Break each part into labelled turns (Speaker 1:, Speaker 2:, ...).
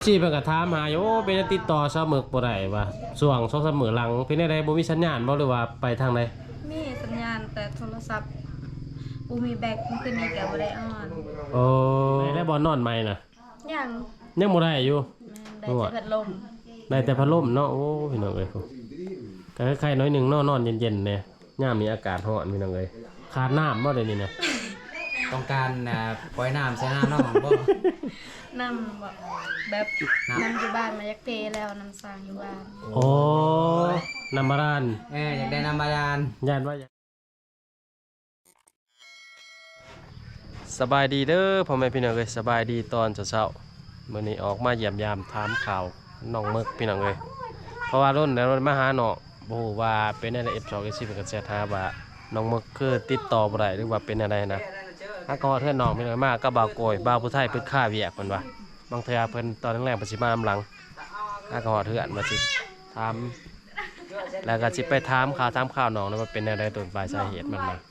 Speaker 1: ชีเพิ่นก็ถามหาอยู่เป็นติดต่อเสมอบ่ได้ว่าช่วง2-3มื้อหลังเป็นได้บ่มีสัญญาณบ่หรือว่าไปทางใด
Speaker 2: มีสัญญาณแต่โทรศัพท์บ่มีแบตมันคือนี่ก็บ่ได้ออน
Speaker 1: โอ้ได้บ่นอนใหม่น่ะ
Speaker 2: ยัง
Speaker 1: บ่ได้อยู่
Speaker 2: ได้แต่พัดลม
Speaker 1: ได้แต่พัดลมเนาะโอ้พี่น้องเอ้ยก็คล้ายๆน้อยนึงเนาะนอนเย็นๆเนี่ยยามมีอากาศร้อนพี่น้องเอ้ยขาดน้ำบ่ได้นี่นะ
Speaker 3: ต้องการปล่อยน้ำใส่น้องบ่
Speaker 2: น้ำแบบน้ำอยู่บ้านมายักเทแล้วน้ำสร้างอยู่บ้าน
Speaker 1: โอ้น้ำบาดาล
Speaker 3: อยากได้น้ำบาดาล
Speaker 1: ย่านว่าสบายดีเด้อพ่อแม่พี่น้องเอ้ยสบายดีตอนเช้าๆมื้อนี้ออกมาเยี่ยมยามถามข่าวน้องมึกพี่น้องเอ้ยเพราะว่ารุ่นแล้วมาหาน้องบ่ฮู้ว่าเป็นอะไร F2 F4 เพิ่นก็แชร์หาว่าน้องมึกคือติดต่อบ่ได้หรือว่าเป็นอะไรนะถ้าก็เทื่อน้องพี่น้องมาก็บ่าวโกยบ่าวผู้ไทยเพิ่นค่าเวียกเพิ่นว่าบางเทื่อเพิ่นตอนแรกๆเพิ่นสิมาหลังถ้าก็เทื่อนว่าสิถามแล้วก็สิไปถามข่าวน้องว่าเป็นอะไรต้นปลายสาเหตุมันมา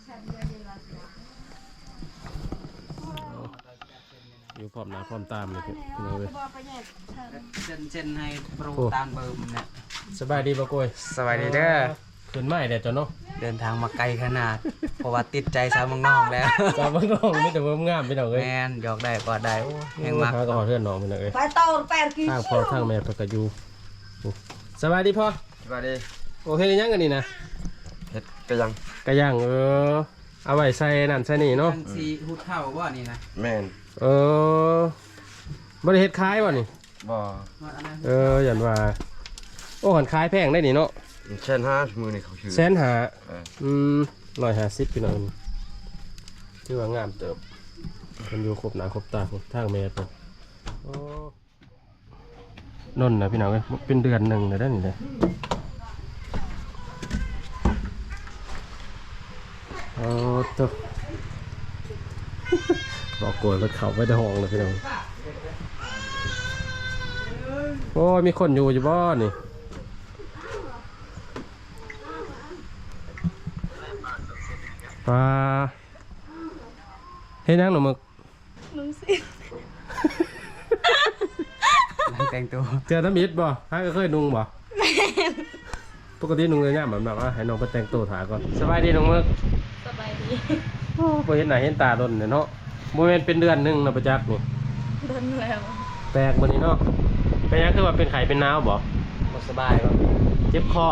Speaker 1: อยู่พร้อมหน้าพร้อมตามเลยพี่น้องเอ้ย
Speaker 3: เช่นให้โปรตามเบอร์มันเนี่ย
Speaker 1: สบายดีบ่โกย
Speaker 3: สบายดีเด้อ
Speaker 1: ขึ้นไม้เด้อจ้ะเนาะ
Speaker 3: เดินทางมาไกลขนาดเพราะว่าติดใจสาวเมืองนอกแล้ว
Speaker 1: สาวเมืองนอกมีแต่เบิ่งงามพี่น้องเอ้ย
Speaker 3: แม่นหยอกได้กอดได้โอ้แฮงมาก
Speaker 1: ก็เพื่อนน้องพี่น้องเอ้ยไปต่อ8กิโลทางพ่อทางแม่เพิ่นก็อยู่สบายดีพ่อ
Speaker 3: สบายดี
Speaker 1: โอเคยังกันนี่นะ
Speaker 3: เฮ็ดกะยัง
Speaker 1: เอาไว้ใส่นั่นใส่นี่เนาะ
Speaker 3: สีหุดเข้าบ่นี่นะ
Speaker 1: แม่นบ่ได้เฮ็ดขายบ่นี่
Speaker 3: บ่
Speaker 1: หยันว่าโอ้หันขายแพงได้นี่เนาะ
Speaker 3: 150,000มื้อนี่เขาชื่อ
Speaker 1: 150พี่น้องถือว่างามเติบเพิ่นอยู่ครบหน้าครบตาครบทางแม่ตัวโอ้นนน่ะพี่น้องเอ้ยเป็นเดือนนึงแล้วนี่เด้โอ้ตัวบอกโกยรถเขาไว้ในห้องเลยพี่น้องโอ้มีคนอยู่บ้านนี่ปลาเฮ้ยนั่งหนูมึก
Speaker 2: นุ่งสิ
Speaker 3: แต่งตัว
Speaker 1: เจอน้ำมิดบ่ฮะก็เคยนุ่งบ่ปกตินุ่งเลยเนี่ยแบบว่าให้น้องไปแต่งตัวถ่ายก่อนสบายดีน้องมึก
Speaker 2: สบายดี
Speaker 1: โอ้ไปเห็นไหนเห็นตาโดนเนาะโมเมนต์เป็นเดือนนึงนะประจักษ์นี่
Speaker 2: โดนแล้ว
Speaker 1: แปลกมันนี่เนาะเป็นยังคือว่าเป็นไข่เป็นน้ำบ่
Speaker 3: สบายบ่
Speaker 1: เจ็บคอ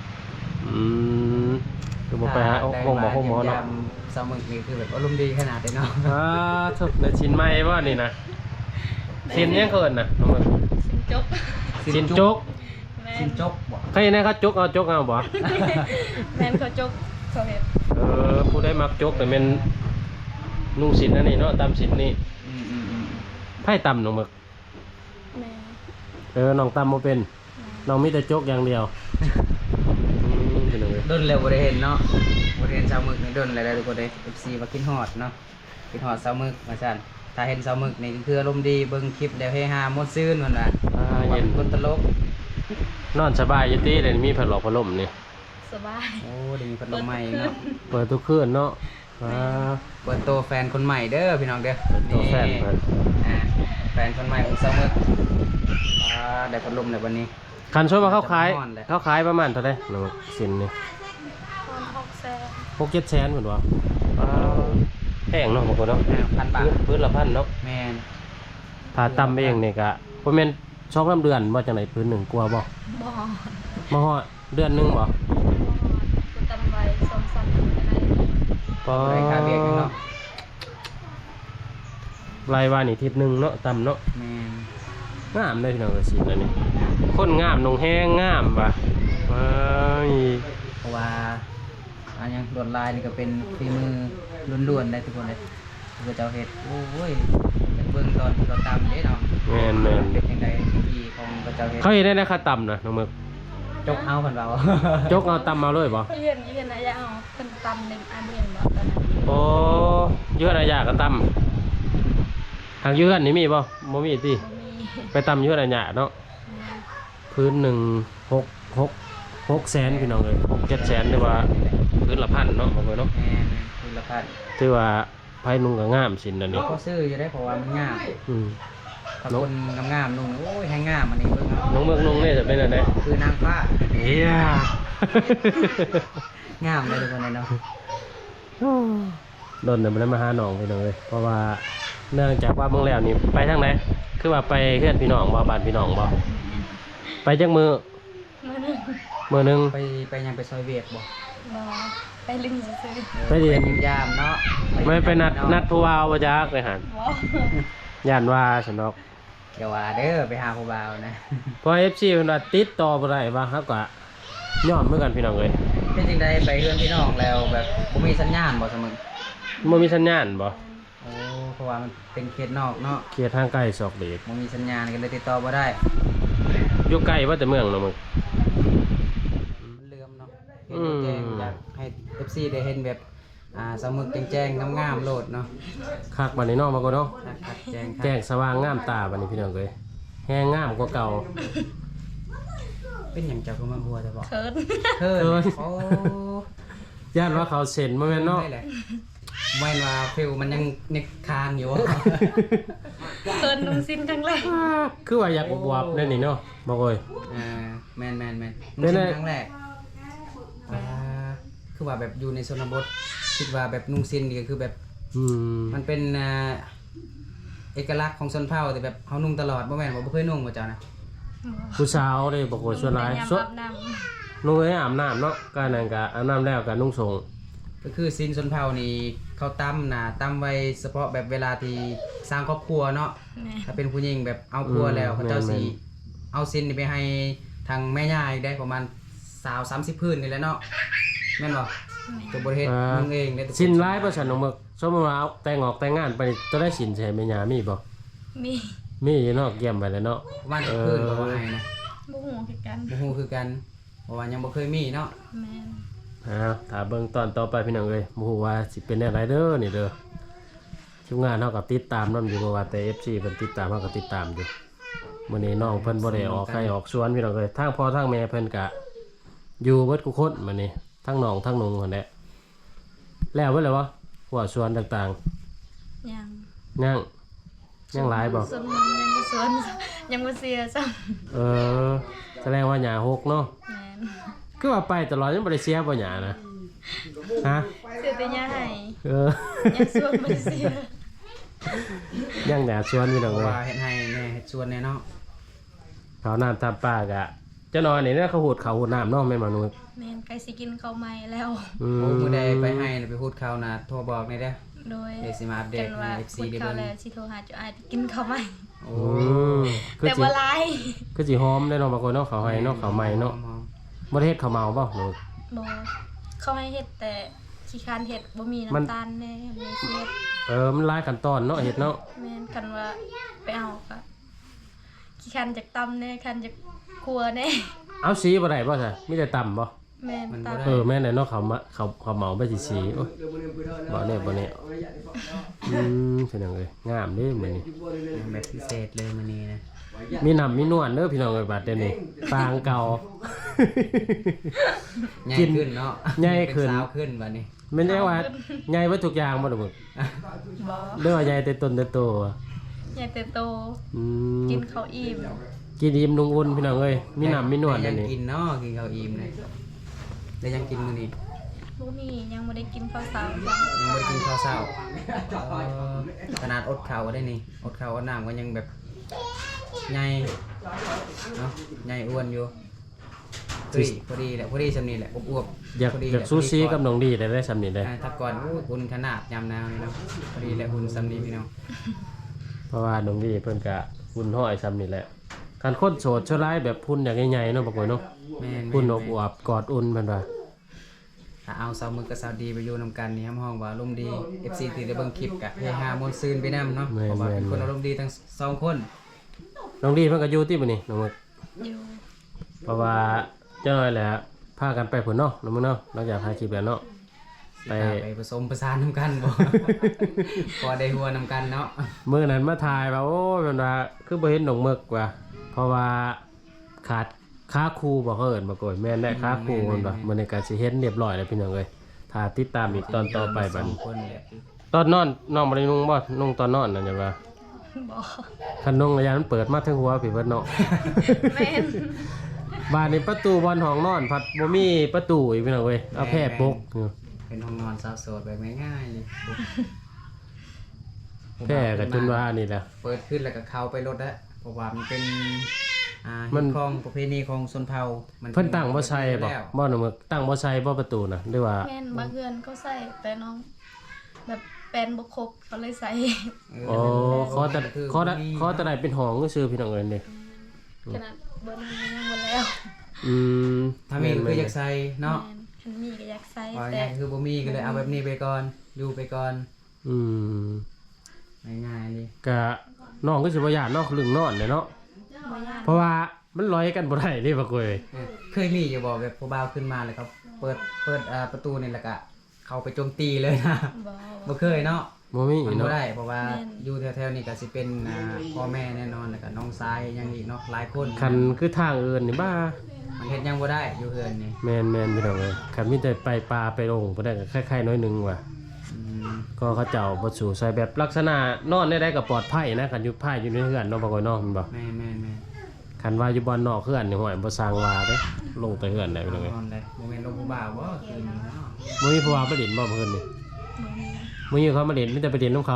Speaker 1: คือบ่ไปหาห้องหมอเนาะ
Speaker 3: สาวมึกนี่คือแบบอารมณ์ดีขนาดเลยเนาะ
Speaker 1: ทุกในชิ้นไม้ว่านี่นะชิ้นยังเกินนะน้องมึงชิ้นจกบ่ใครเนี่ยเขาจกเอาบ่
Speaker 2: แม่นเขาจกเขาเฮ็ด
Speaker 1: ผู้ได้มักจกแต่เป็นนุ่งสินนั่นนี่เนาะตามสินนี่ไพ่ตำน้องมึกน้องตำโมเป็นน้องมีแต่จกอย่างเดียว
Speaker 3: โดนเร็วบริเห็นเนาะบริเห็นสาวมึกนี่โดนอะไรทุกคนเลย FC มากินฮอดเนาะกินฮอดสาวมึกมาสั่นถ้าเห็นสาวมึกนี่คืออารมณ์ดีเบิ่งคลิปเดี๋ยวเฮฮามดซื่นมันว่า
Speaker 1: เย็น
Speaker 3: คนตลก
Speaker 1: นอนสบายอยู่ที่เลยมีพัดลมนี่
Speaker 2: สบาย
Speaker 3: โอ้ดีมีพัดลมใหม่เนาะ
Speaker 1: เปิดทุกคืนเนาะ
Speaker 3: เปิดตัวแฟนคนใหม่เด้อพี่น้องเด้อ
Speaker 1: ตัวแฟน
Speaker 3: แฟนคนใหม่ของสาวมึกได้พัดลมในวันนี้
Speaker 1: คันช่วยมาเข้าขายประมาณเท่าไหร่หนูสินนี่6-7 แสนเหมือนว่าแพงเนาะบางคนเนาะ
Speaker 3: 1,000 บาท
Speaker 1: พื้นละ1,000เนาะ
Speaker 3: แม่น
Speaker 1: ถ้าตำเองนี่ก็ประมาณ2-3 เดือนว่าจังไหนพื้นหนึ่งกลัวบ่มาฮอดเดือนนึงบ่
Speaker 2: ตำไว้2-3 เดือน
Speaker 3: ได้ค่าเบี้ยกันเนาะ
Speaker 1: รายวันนี่ทิศนึงเนาะตำเนาะ
Speaker 3: แม่น
Speaker 1: งามได้พี่น้องก็สิแล้วนี่คนงามนงแห้งงามว่ะ
Speaker 3: เพราะว่าอันยังลวดลายนี่ก็เป็นฝีมือล้วนๆได้ทุกคนเลยคือเจ้าเฮ็ดโอ้ยเป็นเบิ่งตอนเราตำเด้เนาะ
Speaker 1: แม่น
Speaker 3: เป็นจังได๋ที่ของเจ้าเฮ็ด
Speaker 1: เขาเฮ็ดได้นะค่าตำนะน้องมึก
Speaker 3: จกเอาเพิ่นว่า
Speaker 1: จกเอาตำมาเลยบ่
Speaker 2: เยือนนะอย่าเอาเพิ่นตำในอันเดียวบ่ตอนนั้น
Speaker 1: โอ้เยือนอะยะก็ตำทางเยือนนี่มีบ่บ่มีติไปตำเยือนอะยะเนาะพื้น6 แสนพี่น้องเลย6-7 แสนหรือว่าพื้นละ1,000เนาะบ่เนาะ
Speaker 3: พื้นละ1,000
Speaker 1: ถือว่าไผนุ่งก็งามสินนั่นนี่
Speaker 3: ก็ซื้ออยู่ได้เพราะว่ามันงามถ้าคนงามๆนุ่งโอ้ยให้งามอันนี้เบิ่งเอา
Speaker 1: น้องเมืองนุ่งนี่จะเป็นอะไร
Speaker 3: คือนางฟ้า
Speaker 1: เฮีย
Speaker 3: งามเลยทุกคนเลยเนาะ
Speaker 1: โดนเดี๋ยวมันมาหาน้องไปเลยเพราะว่าเนื่องจากว่าเมืองแล้วนี่ไปทางไหนคือว่าไปเพื่อนพี่น้องบ่บ้านพี่น้องบ่ไปจักมือ
Speaker 2: มื้อหนึง
Speaker 1: มือหนึง
Speaker 3: ไปยังไปซอยเวียดบ่
Speaker 2: บ่ไปลิงซื่อ
Speaker 1: ไปเรียน
Speaker 3: ไปยามเนาะ
Speaker 1: ไม่ไปนัดผู้ว่าบ่จักเลยหั่น
Speaker 2: ๆบ่
Speaker 1: ย่านว่าฉันดอก
Speaker 3: เดี๋ยวว่าเด้อไปหาผู้บ่าวนะ
Speaker 1: เพอ FC เพิ่นว่าติดต่อบ่ได้ว่าเฮาก็ย้อนเหมือนกันพี่น้องเอ้ย
Speaker 3: เป็นจริงได้ไปเพื่อนพี่น้องแล้วแบบบ่มีสัญญาณบ่เสมอ
Speaker 1: บ่มีสัญญาณบ่
Speaker 3: โอ้เพราะว่ามันเป็นเขตนอกเนาะ
Speaker 1: เขตทางใกล้ศอกเด็ก
Speaker 3: บ่มีสัญญาณกันเลยติดต่อบ่ได้
Speaker 1: อยู่ใกล้ว่าแต่เมืองเนาะมึง
Speaker 3: มันเลื่อมเนาะเห็นแจ้งอยากให้ FC ได้เห็นแบบสมุดแจ้งๆงามๆโลดเนาะ
Speaker 1: คักบัดนี้เนาะมาก็เนาะ
Speaker 3: คักๆแจ้งคัก
Speaker 1: แจ้งสว่างงามตาบัดนี้พี่น้องเอ้ยแฮงงามกว่าเก่า
Speaker 3: เป็นหยังเจ้าก็มาหัวแต่บอก
Speaker 2: เขิน
Speaker 3: เคิน
Speaker 1: เคิน
Speaker 3: โอ้
Speaker 1: ย่านว่าเขาเซ็นบ่แม่นเนาะ
Speaker 3: ได้แหละแม่นว่าฟิวมันยังนึกคานอยู่
Speaker 2: เขินนุ่งสิ้นครั้งแรก
Speaker 1: คือว่าอยากบวบๆนั่นนี่เนาะบ่เอ้ย
Speaker 3: แม่น
Speaker 1: เป็นไง
Speaker 3: ครั้งแรกคือว่าแบบอยู่ในชนบทคิดว่าแบบนุ่งสิ้นนี่ก็คือแบบ
Speaker 1: อืม
Speaker 3: มันเป็นเอกลักษณ์ของชนเผ่าแต่แบบเฮานุ่งตลอดบ่แม่นว่าบ่เคยนุ่งบ่เจ้านะ
Speaker 1: ผู้สาวเด้บ่โอ้ยส่วนหลาย
Speaker 2: เป็นยาม
Speaker 1: ส่วน
Speaker 2: อาบน้ำ
Speaker 1: นุ่งให้อาบน้ำเนาะก็นั่นก็อาบน้ำแล้วก็นุ่งส่ง
Speaker 3: ก็คือสิ้นชนเผ่านี่เขาตั้มนะตั้มไว้เฉพาะแบบเวลาที่สร้างครอบครัวเนาะ
Speaker 2: แม่
Speaker 3: ถ้าเป็นผู้หญิงแบบเอาครัวแล้วเขาเจ้าสิเอาสิ้นนี่ไปให้ทางแม่ย่าอีกได้ประมาณ20-30พื้นนี่แหละเนาะแม่นบ่ตัวบ่เฮ็ดมึงเองได้ทุกค
Speaker 1: สินร้ายบ่ซั่นน้องมึกสมมุติว่าเอาแต่งออกแต่งงานไปนี่จะได้สินใช่แม่ย่ามีบ่
Speaker 2: มี
Speaker 1: มีอยู่เนาะเยี่ยมไปแล้วเนาะ
Speaker 3: ประมาณพื้นบ่ว่าให้นะ
Speaker 2: บ่ฮู้คือกัน
Speaker 3: บ่ฮู้คือกันเพราะว่ายังบ่เคยมีเนาะ
Speaker 2: แม่น
Speaker 1: ถ้าเบิ่งตอนต่อไปพี่น้องเอ้ยบ่ฮู้ว่าสิเป็นแนวใดเด้อนี่เด้อทีมงานเฮาก็ติดตามนำอยู่เพราะว่าแต่ FC เพิ่นติดตามเฮาก็ติดตามอยู่มื้อนี้น้องเพิ่นบ่ได้ออกไข่ออกสวนพี่น้องเอ้ยทางพ่อทางแม่เพิ่นก็อยู่เบิดทุกคนมื้อนี้ทั้งน้องทั้งนุงหั่นแหละแล้วเบิดแล้วบ่หัวสวนต่าง
Speaker 2: ยัง
Speaker 1: ๆยังหลายบ่
Speaker 2: ส่วนมันยังบ่สวนยังบ่เสียซ้ำ
Speaker 1: เออแสดงว่าหญ้าหกเนาะ
Speaker 2: แม่น
Speaker 1: คือว่าไปตลอดยังบ่ได้เสียบ่หญ้านะฮะ
Speaker 2: เสียแต่ยาให้
Speaker 1: เออ
Speaker 2: ยังสวนบ่ได้เสีย
Speaker 1: ยังแดดสวนพี่น้อง
Speaker 3: เพราะ
Speaker 1: เอ้ย
Speaker 3: ว่าเฮ็ดให้แม่เฮ็ดสวนแน่เนาะ
Speaker 1: เขาน้ำทำปากอะเจ้านอนนี่เนี่ยเขาหูดเขาหูดน้ำเนาะแม่นมนุษย์
Speaker 2: แม่นใกล้สิกินข้าวใหม่แล้ว
Speaker 1: อื
Speaker 3: โอ้
Speaker 1: ม
Speaker 3: มื้อใดไปให้น่ะไปพูดเขานะโทรบอกหน่อยเด้อ
Speaker 2: โดย
Speaker 3: เดี๋ยวสิมาอัปเดต
Speaker 2: กันว่า
Speaker 3: ใน FC
Speaker 2: พูด
Speaker 3: ได้
Speaker 2: ข้าว
Speaker 3: เบิ่ง
Speaker 2: แล้วสิโทรหาเจ้าอ้ายไปกินข้าวใหม่
Speaker 3: โอ้
Speaker 1: อืมคือ
Speaker 2: แต่
Speaker 1: สิ
Speaker 2: บ่หลาย
Speaker 1: คือสิหอมได้เนาะบางคนเนาะเขาให้เนาะเขาใหม่เนาะบ่ได้เฮ็ดเขาวเมาเปล่าหนู
Speaker 2: บ่เขาให้เฮ็ดแต่ขี้คร้านเฮ็ดบ่มี
Speaker 1: มัน
Speaker 2: น้ำตาลแน่มีเสียด
Speaker 1: มันหลายขั้นตอนเนาะเฮ็ดเนาะ
Speaker 2: แม่นกันว่าไปเอาก็ขี้คร้านจากตำแน่คันจากครัวแน่
Speaker 1: เอาสีบ่ได้บ่ซะมีแต่ต่ำบ่
Speaker 2: แม่นตำ
Speaker 1: แม่นเลยเนาะเขามาเขาเมาไปสิสีโอ้ยบ่แน่บ่แน่เป็นจังเลยงามเด้มื้อนี้
Speaker 3: แบบพิเศษเลยมื้อนี้นะ
Speaker 1: มีน้ำมีนวลเด้อพี่น้องเอ้ยบัดเดี๋ยวนี้ปางเก่า
Speaker 3: ใหญ่
Speaker 1: กิน
Speaker 3: ขึ้นเนาะ
Speaker 1: ใหญ่ขึ้น
Speaker 3: เป็สาวขึ้นบัดนี้
Speaker 1: แม่นได้ว่าใหญ่เบิดทุกอย่างบ่ดอกมึก
Speaker 2: บ่
Speaker 1: เด้อว่าใหญ่แต่ต้นแต่โตอะ
Speaker 2: ใหญ่แต่โต
Speaker 1: อืม
Speaker 2: กินข้าวอิ่ม
Speaker 1: กินอิ่มนุ่งอุ่นพี่น้องเอ้ยมีน้ำมีนวล
Speaker 3: แต่
Speaker 1: เดี๋
Speaker 3: ยั
Speaker 1: ยว
Speaker 3: ง
Speaker 1: นี้
Speaker 3: กินเนาะกินข้าวอิ่มเลยแต่ยังกินมื้อนี้
Speaker 2: ลูกนี่ยังบ่ได้กินข้าวเช้าจ้ะ
Speaker 3: ยังบ่ได้กินข้าวเช้าขนาดอดข้าวก็ได้นี่อดข้าวอดน้ำก็ยังแบบใหญ่เนาะใหญ่อ้วนอยู่พอดีแหละพอดีสำนี้แหละอวบๆ
Speaker 1: อยาก
Speaker 3: พดี
Speaker 1: อยากซูชิกับน้องดีได้สำนี้ได้
Speaker 3: ถ้าก่อนอุ่นขนาดยามหนาวนี่เนาะพอดีแหละอุ่นสำนี้พี่น้อง
Speaker 1: เพราะว่าน้องดีเพิ่นก็หุ่นห้อยสำนี้แหละการคนโสดชั่วร้ายแบบพุ่นอย่างใหญ่ๆเนาะบางคนเนาะ
Speaker 3: แม่น
Speaker 1: พุ่นอบอวบกอดอุ่นเพิ่นว่า
Speaker 3: ถ้าเอาสาวมือกับสาวดีไปอยู่นำกันนี่ห้องว่าลมณ์ดี FC ที่ได้เบิ่งคลิปกะเฮฮามวนซืนไปนํเนาะเพราะว่าเป็นคนอารมณ์ดีทั้งสองคน
Speaker 1: น้องดีเพิ่นก็อยู่ที่บ่นี่น้องมึก
Speaker 2: อยู่
Speaker 1: เพราะว่าเจ้าน้อยแหละพากันไปพุ่นเนาะน้องมึงเนาะหลังจากถ่ายคลิปแล้วเนาะ
Speaker 3: ไปผสมประสานนำกันบ่ พอได้หัวนำกันเนาะ
Speaker 1: มื้อนั้นมาถ่ายว่าโอ้ยเพิ่นว่าคือบ่เห็นน้องมึกว่ะเพราะว่าขาดค้าครูบ่เขาเอิ้นบ่โกยแม่นได้ค้าครูเพิ่นว่ามื้อนี้ก็สิเห็นเรียบร้อยแล้วพี่น้องเอ้ยถ้าติดตามอีกตอนต่อไปบัด
Speaker 3: สอง
Speaker 1: นี้
Speaker 3: คนแหละ
Speaker 1: ตอนนอนน้องบ่ได้นุ่งบ่นุ่งตอนนอนนั่นจ้ะว่า
Speaker 2: บ่
Speaker 1: คันนงระยะมันเปิดมาถึงหัวพี่เบิดเนาะ
Speaker 2: แม่น
Speaker 1: บ้านนี้ประตูบอลห้องนอนพัดบ่มีประตูอีกพี่น้องเว้ยเอาแพร่ปกอยู่
Speaker 3: เป็นห้องนอนสาวโสดแบบง่ายๆเลย
Speaker 1: แพร่ก็จนว่านี่แหละ
Speaker 3: เปิดขึ้นแล้วก็เข้าไปรถแล้วเพราะว่ามันเป็น
Speaker 1: มั
Speaker 3: มัน นของประเพณีของชนเผ่ามัน
Speaker 1: เพิ่นตั้งบ่ใช่บ่
Speaker 3: แล้ว
Speaker 1: บ่หนูมึกตั้งบ่ใช่บ่ประตูน่ะหรือว่า
Speaker 2: แม่นบางเฮือนเขาใส่แต่น้องแบบแปลนบ่ครบเขาเลยใส่
Speaker 1: อ๋อขอแต่ขอแต่ได้เป็นห้องซื่อๆพี่น้องเอ้ยนี่
Speaker 2: ขนาดเบิ่นยังบ่แล้ว
Speaker 1: อืม
Speaker 3: ถ้ามีก็คืออยากใส่เนาะ
Speaker 2: แม่นคันมีก็อยากใส่
Speaker 3: ว่า
Speaker 2: แต่
Speaker 3: ไงคือบ่มีก็เลยเอาแบบนี้ไปก่อนอยู่ไปก่อน
Speaker 1: อืม
Speaker 3: ง่ายๆเลย
Speaker 1: ก็น้องก็สิบ่ย่านเนาะเรื่องนอนเนี่ยเนาะ
Speaker 2: บ่ยาก
Speaker 1: เพราะว่ามันลอยกันบ่ได้เด้บักเว้ย
Speaker 3: เคยมีอยู่บ่แบบผู้บ่าวขึ้นมาแล้วก็เปิดประตูนี่แล้วก็เข้าไปโจมตีเลยนะ
Speaker 2: บ่
Speaker 3: บ่เคยเนาะ
Speaker 1: บ่มี
Speaker 3: มัน
Speaker 1: เนาะ
Speaker 3: บ่ได้เพราะว่าอยู่แถวๆนี้ก็สิเป็นพ่อแม่แน่นอนแล้วก็น้องชายยังอีกเนาะหลายคน
Speaker 1: คันคือทางอื่นนี่บ้า
Speaker 3: มันเฮ็ดยังบ่ได้อยู่เฮือนนี่
Speaker 1: แม่นพี่น้องเอ้ยคันมีแต่ไปปลาไปลงบ่ได้ก็คล้ายๆน้อยหนึงว่ะ
Speaker 3: อืม
Speaker 1: ก็เขาเจ้าบ่สู่ใส่แบบลักษณะนอนได้ก็ปลอดภัยนะคันอยู่ภายอยู่ในเฮือนเนาะบ่ค่อยนอนแม่นบ่
Speaker 3: แม่น
Speaker 1: คันว่าอยู่บ่อนนอกเฮือนนี่ห้อยบ่สร้างว่าเด้ลงแต่เฮือนได้พี่น้องเอ้ย
Speaker 3: นอนได้บ่แม่นลงผู้บ่าวบ่คืนนี้เนาะ
Speaker 1: บ่มีผู้ว่ามาเล่นบ่เพิ่นนี่
Speaker 2: บ่มี
Speaker 1: บ่มีเขามาเล่นมีแต่ไปเล่นนํเขา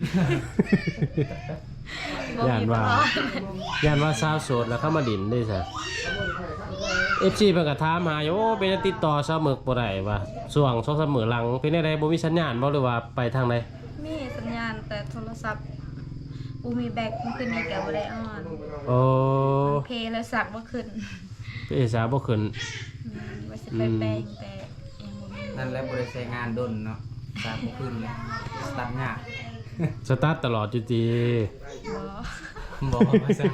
Speaker 2: บ่
Speaker 1: ย่าน
Speaker 2: มี
Speaker 1: ว่า
Speaker 2: บ่
Speaker 1: ย่านว่าสาวโสดแล้วเขามาดินได้ซะ FC เพิ่นก็ถามหาอยู่โอ้เป็นจั่งติดต่อสาวหมึกบ่ได้ว่าช่วง2-3มื้อหลังเป็นจังไดบ่มีสัญญาณบ่หรือว่าไปทางใด
Speaker 2: มีสัญญาณแต่โทรศัพท์บ่มีแบตมันขึ้นนี่ก็บ่ได้ออน
Speaker 1: โอ้
Speaker 2: เพลย์แล้วสักบ่ขึ้น
Speaker 1: เอสาบ่ขึ้น
Speaker 2: ว่าสิไปแปลงแต่ยังบ่มี
Speaker 3: นั่นแหละบ่ได้ใช้งานดนเนาะสร้างบ่ขึ้นเลยสตาร์ทยาก
Speaker 1: สตาร์ทตลอดอยู่ติ
Speaker 2: บ่
Speaker 3: บ่ว่าซั่น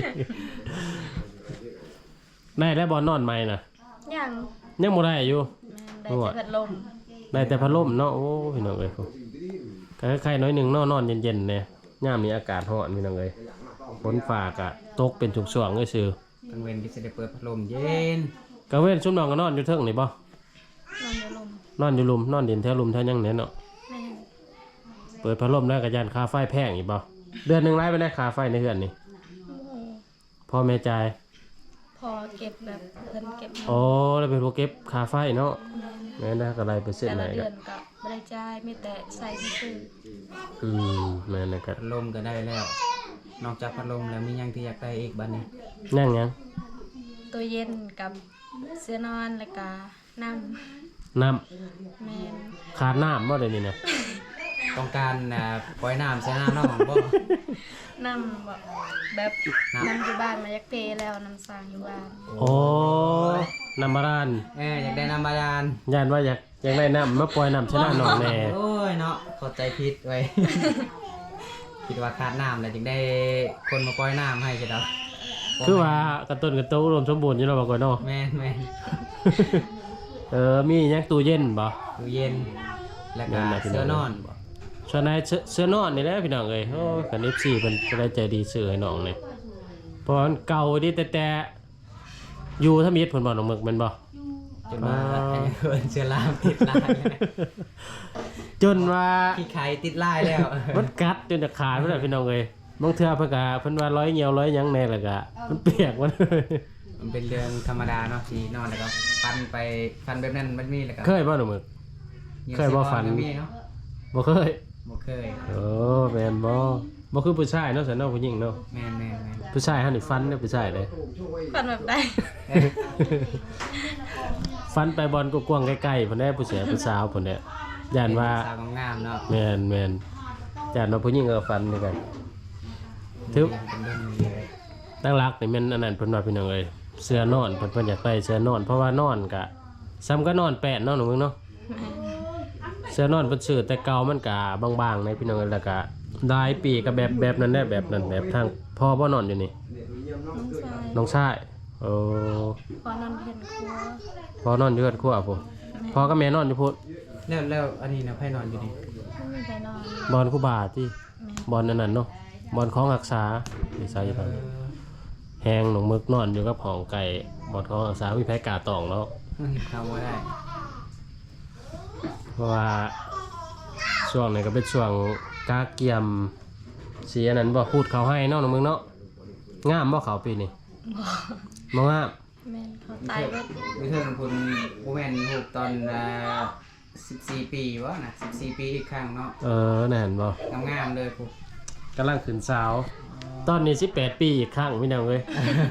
Speaker 1: ได้แล้วบ่นอนใหม่น่ะ
Speaker 2: ยัง
Speaker 1: ยังบ่ได้อยู่
Speaker 2: แม่นได้แต่พัดลม
Speaker 1: ได้แต่พัดลมเนาะโอ้พี่น้องเอ้ยก็คล้ายๆน้อยหนึงเนาะนอนเย็นๆแน่ยามนี้อากาศร้อนพี่น้องเอ้ยฝนฟ้าก็ตกเป็นช่วงๆเอ้ยซื่อก
Speaker 3: ลางเว้นก็สิได้เปิดพัดลมเย็น
Speaker 1: กะเว้นซุมน้องก็นอนอยู่เทิงนี่บ่
Speaker 2: นอนอยู่ลม
Speaker 1: นอนอยู่ลุมนอนดินแถวลุมแถวหยังแหน่เนาะ
Speaker 2: แม่น
Speaker 1: เปิดพัดลมแล้วก็ย่านค่าไฟแพงอีกบ่เดือนหนึงรายไปได้ค่าไฟในเฮือนนี่
Speaker 2: โอ้โห
Speaker 1: พ่อแม่จ่าย
Speaker 2: พอเก็บแบบเพิ่นเก็บเงิน
Speaker 1: อ๋อแล้วเป็นผู้เก็บค่าไฟเนาะ
Speaker 2: แม่น
Speaker 1: แม่นนะก็ได้เปอร์เซ็น
Speaker 2: แต่
Speaker 1: ต์ไหน
Speaker 2: ละเดื
Speaker 1: ก็
Speaker 2: อนก็บ่ได้จ่ายมีแต่ใส่ซื่อ
Speaker 1: แม่นนะก็
Speaker 3: พัดลมก็ได้แล้ว นอกจากพัดลมแล้วมีหยังที่อยากได้อีกบัดนี้
Speaker 1: ยัง
Speaker 2: ๆตัวเย็นกับเสื้อนอนแล้วก็น้ำ
Speaker 1: น้ำ
Speaker 2: แม่น
Speaker 1: ขาดน้ำบ่ได้นี่นะ
Speaker 3: ต้องการปล่อยน้ำใส่น้ำเนาะบ่
Speaker 2: น้ำแบบน้ำอยู่บ้านมายักเทแล้วน้ำสร้างอยู่บ้าน
Speaker 1: โอ้น้ำบาดาล
Speaker 3: อยากได้น้ำบาดาล
Speaker 1: ย่านว่าอยากได้น้ำมาปล่อยน้ำชนะหนองแน่
Speaker 3: โอ้ยเนาะเข้าใจผิดไว้ คิดว่าขาดน้ำแล้วจึงได้คนมาปล่อยน้ำให้ใช่ดอก
Speaker 1: คือว่ากระตุ้นกระตุ้นรวมสมบูรณ์อยู่แล้วบ่ก่อนเนาะ
Speaker 3: แม่น
Speaker 1: มีหยังตู้เย็นบ่
Speaker 3: ตู้เย็นแล้วก็เสื้อนอนบ่
Speaker 1: ส่วนในเสื้อนอนนี่แหละพี่น้องเอ้ยโอ้คัน FC เพิ่นก็ได้ใจดีซื้อให้น้องนี่เพราะมันเก่าดิแต่อยู่ทำอิฐเพิ่นบ่น้องหมึกแม่นบ่
Speaker 3: จนว่าเพิ่นเสื้อลามติดลาย
Speaker 1: จนว่า
Speaker 3: ขี้ไข่ติดลายแล้ว
Speaker 1: มันกัดจนจะขาดพุ่นน่ะพี่น้องเอ้ยบางเทื่อเพิ่นว่าร้อยเหี่ยวร้อยหยังแน่แล้วก็มันเปียกมัน
Speaker 3: มันเป็นเรื่องธรรมดาเนาะที่นอนแล้วก็ฟันแบบนั้นมันมีแล้วก็
Speaker 1: เคยบ่หนูมึก เคยบ่ฝัน
Speaker 3: มีเนาะ
Speaker 1: บ่เคย
Speaker 3: บ่เคย
Speaker 1: โอ้แม่นบ่คือผู้ชายเนาะสันเนาะผู้หญิงเนาะ
Speaker 3: แม่น
Speaker 1: ผู้ชายเฮานี่ฟันเด้อผู้ชายเด้อ
Speaker 2: ฟันแบบใด
Speaker 1: ฟันไปบอลกว้างๆใกล้ๆพุ่นแน่ผู้เสียผู้สาวพุ่นแน่ย่านว่า
Speaker 3: สาวงามๆเนาะ
Speaker 1: แม่นย่านว่าผู้หญิงก็ฟันเหมือนกันถือ
Speaker 3: เป็นเรื่องนี้เลย
Speaker 1: ตั้งรักนี่แม่นอันนั้นเพิ่นว่าพี่น้องเอ้ยเสื้อนอนเพิ่นอยากได้เสื้อนอน เพราะว่านอนก็ซ้ำก็นอนแปดเนาะหนูมึงเนาะ เสื้อนอนเพิ่นซื้อแต่เก่ามันก็บางๆในพี่น้องแล้วก็หลายปีก็แบบนั้นได้แบบนั้นแบบทางพ่อบ่นอนอยู่นี่
Speaker 2: น้องชาย
Speaker 1: น้องชายโอ้
Speaker 2: พอนอนเห็นครัว
Speaker 1: พ่อนอนอยู่กับครัวพุ่นพ่อกับแม่นอนอยู่พุ่น
Speaker 3: แล้วอันนี้นะไผนอนอยู่นี่
Speaker 2: ไม่มีใครนอน
Speaker 1: บอลครูบาที่
Speaker 2: แม่
Speaker 1: บอลอันนั้นเนาะบอลของรักษานี่ซะอยู่ตอนนี้แฮงหนองมึกนอนอยู่กับห้องไก่บอลของรักษามีไผกล้าตองแล้ว
Speaker 3: เข้าบ่ได้
Speaker 1: เพราะว่าช่วงนี้ก็เป็นช่วงกาเกียมสีอันนั้นบ่พูดเขาให้เนาะน้องมึงเนาะงามบ่เขาปีนี้บ่งาม
Speaker 2: แม่นเขาตายแล้ว
Speaker 3: วิเทิร์นคุณผู้แม่นถูกตอน14 ปีวะนะ14 ปีอีกครั้งเนาะ
Speaker 1: นั่นบ่
Speaker 3: งามๆเลยผู้
Speaker 1: กำลังขึ้นสาว ตอนนี้18 ปีอีกครั้งพี่น้องเอ้ย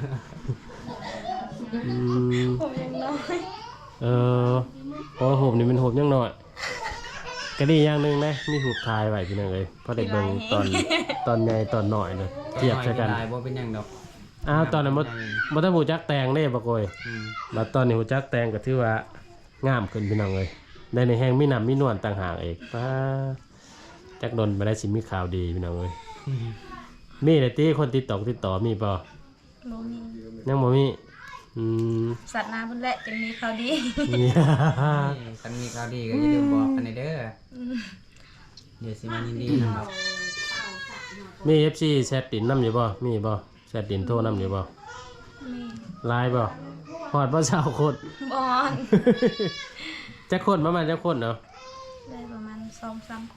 Speaker 2: ผมยังน้อย
Speaker 1: เพราะหูบนี่มันหูบยังน้อยก็ดีอย่างหนึงนะมีหูบทายไว้พี่น้องเอ้ยเพราะได้เบิ่งตอนใหญ่ตอนน้อยเลยเทียบใส่กัน
Speaker 3: ลายบ่เป็นหยังดอก
Speaker 1: อ้าวตอนนั้นบ่ต้องหูจักแตงเด้บ่โกยบัดตอนนี้หูจักแตงก็ถือว่างามขึ้นพี่น้องเอ้ยได้ในแห้งมีน้ำมีนวลต่างหากอีกป้าจักดนบ่ได้สิมีข่าวดีพี่น้องเอ้ยมีแต่ติคนติดต่อมีบ่
Speaker 2: บ่มี
Speaker 1: ยังบ่มี
Speaker 2: สัตว์น้ำเพิ่นแหละจึงมีข่าวดี
Speaker 3: คันมีข่าวดีก็อย่าลืมบอกกันเด้อเดี๋ยวสิมายินดีนำดอก
Speaker 1: มี FC แชทดินนำอยู่บ่มีบ่แชทดินโทรนำอยู่บ่
Speaker 2: มี
Speaker 1: ไลน์บ่ฮอดบ่20คน
Speaker 2: บอน
Speaker 1: จักคนประมาณจักคนเนาะ
Speaker 2: ได้ประมาณ 2-3 คน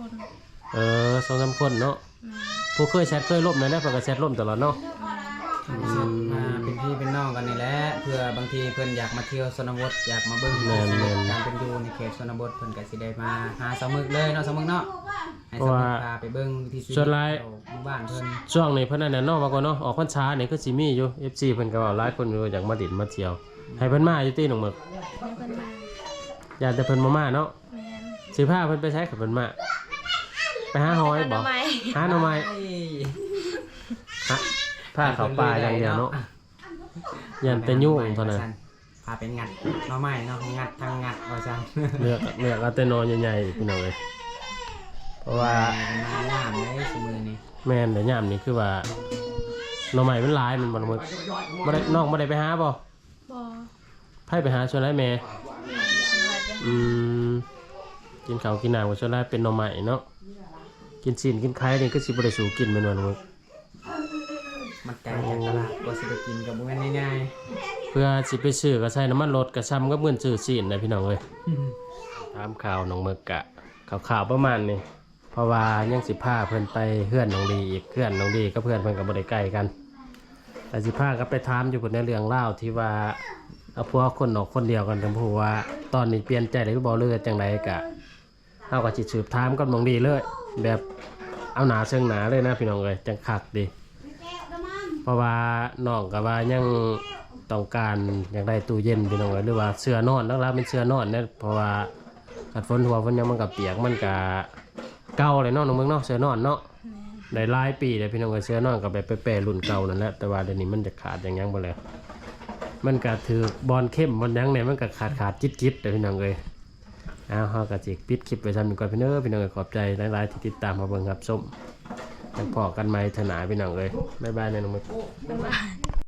Speaker 1: 2-3 คนเนาะ
Speaker 2: แม่
Speaker 1: ผู้เคยแชทเคยล่มเลยนะเพิ่นก็แชทล่มตลอดเนาะ
Speaker 3: มาเป็นพี่เป็นน้องกันนี่แหละเพื่อบางทีเพิ่นอยากมาเที่ยวชนบทอยากมาเบิ่งการเป็นอยู่ในเขตชนบทเพิ่นก็สิได้มาหาสาวมึกเลยเนาะสาวมึกเนาะให้สาวมึกพาไปเบิ่งวิถีชีวิตหมู่บ้านเพิ่น
Speaker 1: ช่วงนี้เพิ่นนั่นน่ะเนาะว่าก่อนเนาะออกพรรษานี่คือสิมีอยู่ FC เพิ่นก็ว่าหลายคนอยู่อยากมาดินมาเที่ยวให้เพิ่นมาอยู่ติน้องหมึก
Speaker 2: ได้เพิ่นมา
Speaker 1: อยากแต่เพิ่นบ่มาเนาะ
Speaker 2: แม่น
Speaker 1: สิพาเพิ่นไปใช้กับเพิ่นมาไปหาหอยบ่
Speaker 2: ทำไม
Speaker 1: หาหน่อไม้ฮะพาเขาป่าอย่างเดียวเนาะยันแต่ยุ่งเท่านั้น
Speaker 3: พาไปงัดหน่อไม้เนาะงัดทางงัดว่าซั่น
Speaker 1: เลือกเอาแต่นอนใหญ่ๆพี่น้องเอ้ยเพราะว่า
Speaker 3: งามเลยซุมื้อนี้
Speaker 1: แม่นแต่ยามนี้คือว่าหน่อไม้มันหลายมันบ่ละมึกบ่ได้น้องบ่ได้ไปหาบ่
Speaker 2: บ่
Speaker 1: ไผไปหาชวนหลายแม่
Speaker 2: สำหรับเด้อ
Speaker 1: กินข้าวกินน้ำกับชวนหลายเป็นหน่อไม้เนาะกินซีนกินไข่นี่ก็สิบ่ได้สู่กินแม่นบ่ละมึก
Speaker 3: มันไกลจากตลาดกว่าสิได้กินก็บ่แม่นง่าย
Speaker 1: เพื่อสิไปซื้อก็ใช้น้ำมันรถก็ซ้ำกับเงินซื้อซีนนะพี่น้องเอ้ยถามข่าวน้องมึกกะข่าวประมาณนี้เพราะว่ายังสิพาเพิ่นไปเฮือนน้องดีอีกเฮือนน้องดีกับเพื่อนเพิ่นก็บ่ได้ใกล้กันแต่สิพาก็ไปถามอยู่เพิ่นในเรื่องเล่าวที่ว่าเอาพวกคนออกคนเดียวกันทั้งผู้ว่าตอนนี้เปลี่ยนใจได้หรือบ่เลือจังไดกะเฮาก็สิสืบถามกับน้องดีเลย แบบเอาหนาเชิงหนาเลยนะพี่น้องเอ้ยจังคักดีเพราะว่าน้องก็ว่ายังต้องการอยากได้ตู้เย็นพี่น้องเอ้ยหรือว่าเสื้อนอนแล้วเป็นเสื้อนอนเนี่ยเพราะว่ากัดฝนหัวฝนยังมันก็เปียกมันก็เก่าเลยเนาะน้องเมืองเนาะเสื้อนอนเนาะได้หลายปีเลยพี่น้องเอ้ยเสื้อนอนก็แบบไปแปรรุ่นเก่านั่นแหละแต่ว่าเดี๋ยวนี้มันจะขาดอย่างยังบ่แล้วมันก็ถือบอลเข้มบอลยังเนี่ยมันก็ขาดจิ๊ดๆเด้อพี่น้องเอ้ยเอาเฮาก็สิปิดคลิปไว้ซ้ำนี้ก่อนพี่น้องพี่น้องเอ้ยขอบใจหลายๆที่ติดตามมาเบิ่งครับส้มยังพอกันใหม่เถอะหนาพี่น้องเอ้ยบ๊ายบายนะน้องมึง
Speaker 2: บ๊ายบาย